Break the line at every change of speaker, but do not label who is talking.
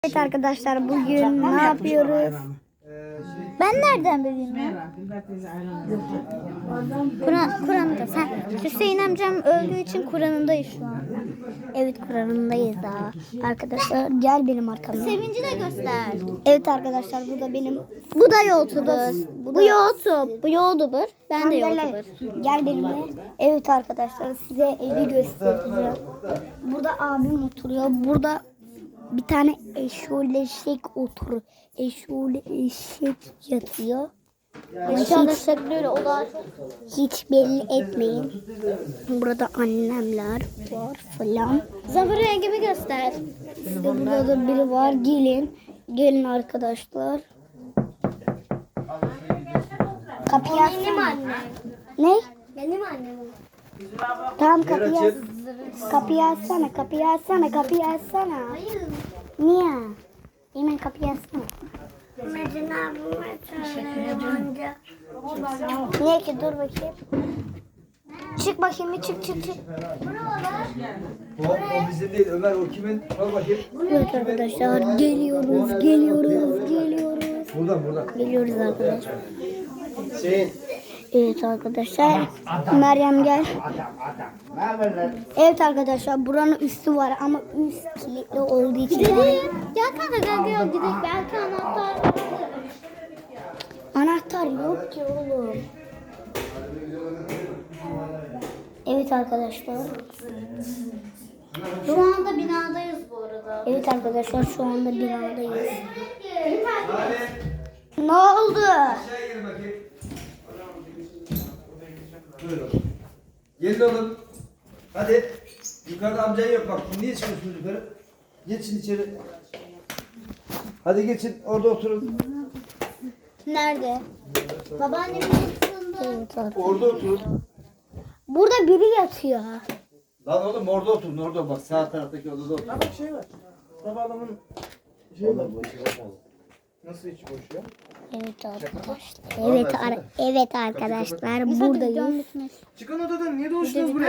Evet arkadaşlar, bugün ne yapıyoruz? Ben nereden bileyim ya? Kur'an'da. Hüseyin amcam öldüğü için Kur'an'ındayız şu an. Evet, Kur'an'ındayız daha. Arkadaşlar gel benim arkamdan. Sevinci de göster. Evet arkadaşlar, bu da benim. Bu da YouTuber. Bu YouTube. Bu YouTuber. Ben de YouTuber. Gel benimle. Evet arkadaşlar, size evi göstereceğim. Burada abim oturuyor. Burada bir tane eşoleşek oturuyor. Eşoleşek yatıyor. Arkadaşlar böyle o da hiç belli etmeyin. Burada annemler var falan. Zafer rengimi göster. İşte burada da biri var. Gelin. Gelin arkadaşlar. Kapıyı açsana. Ne? Benim annem. Tamam, kapıyı açsana. Kapıyı açsana. Hayır. Niye? Hemen kapıyı açsana. Metin abime çağırıyor. Niye ki? Dur bakayım. Çık bakayım. Çık.
O bizim değil Ömer, o kimin? Bak bakayım.
Evet arkadaşlar, geliyoruz.
Buradan.
Geliyoruz arkadaşlar. Evet arkadaşlar. Meryem gel. Evet arkadaşlar, buranın üstü var ama üst kilitli olduğu için. Gidelim. Gel kanka gel gidelim. Belki anahtar. Anahtar yok ki oğlum. Evet arkadaşlar.
Şu anda binadayız bu arada.
Evet arkadaşlar, şu anda binadayız. Ne oldu?
Aşağıya gelin bakayım. Buyurun. Gelin oğlum. Hadi. Yukarıda amcan yok bak. Niye çıkıyorsunuz yukarı? Geçin içeri. Hadi geçin. Orada oturun.
Nerede?
Babaannemin yanında.
Evet arkadaşlar.
Orada oturun.
Burada biri yatıyor.
Lan oğlum orada oturun. Orada bak. Sağ taraftaki odada oturun.
Bak şey var. Baba adamın şey var. Nasıl içi boş ya?
Evet arkadaşlar. Evet arkadaşlar, buradayız.
Çıkan odadan niye dolaşıyorsunuz buraya?